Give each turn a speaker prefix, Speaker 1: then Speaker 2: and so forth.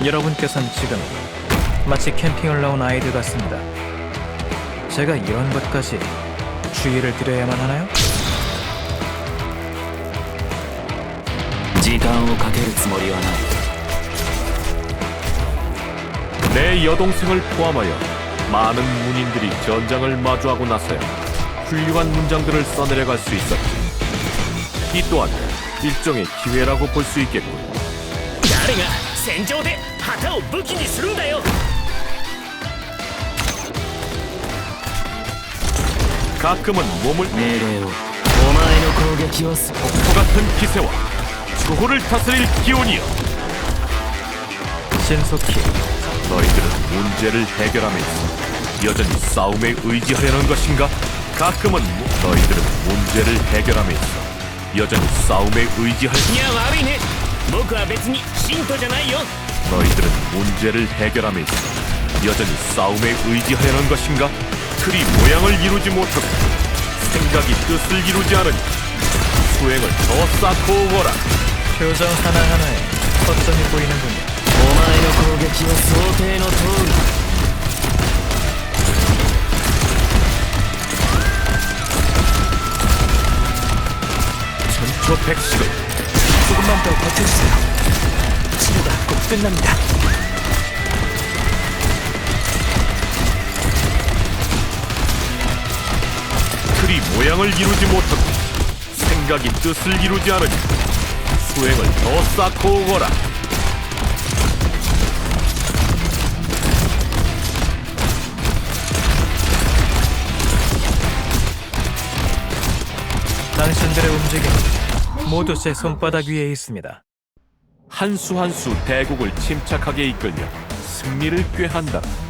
Speaker 1: 여러분께서는 지금 마치 캠핑을 나온 아이들 같습니다. 제가 이런 것까지 주의를 드려야만 하나요?
Speaker 2: 時間をかけるつもりはない。
Speaker 3: 내 여동생을 포함하여 많은 문인들이 전장을 마주하고 나서야 훌륭한 문장들을 써내려갈 수 있었지. 이 또한 일종의 기회라고 볼 수 있겠군.
Speaker 4: 誰が戦場で旗を武器にするんだよ。
Speaker 3: 가끔은 몸을
Speaker 2: 命令を。お前の攻撃をす。
Speaker 3: 폭포 같은 기세와 초호를 다스릴 기온이여.
Speaker 1: 신속히
Speaker 3: 너희들은 문제를 해결함에 있어 여전히 싸움에 의지하려는 것인가? 가끔은 너희들은 문제를 해결함에 있어 여전히 싸움에 의지할
Speaker 4: いや悪いね。僕は別に信徒じゃないよ。
Speaker 3: 너희들은 문제를 해결함에 있어 여전히 싸움에 의지하려는 것인가? 틀이 모양을 이루지 못하고 생각이 뜻을 이루지 않으니 수행을 더 쌓고 오거라.
Speaker 1: 표정 하나하나에 허점이 보이는군요.
Speaker 2: お前の攻撃は想定の通りだ。
Speaker 3: 천초백식을
Speaker 1: 조금만 더 버텨주세요. 치료가 곧 끝납니다.
Speaker 3: 틀이 모양을 이루지 못하고 생각이 뜻을 이루지 않으니 수행을 더 쌓고 오거라.
Speaker 1: 당신들의 움직임 모두 제 손바닥 위에 있습니다.
Speaker 3: 한 수 한 수 대국을 침착하게 이끌며 승리를 꾀한다.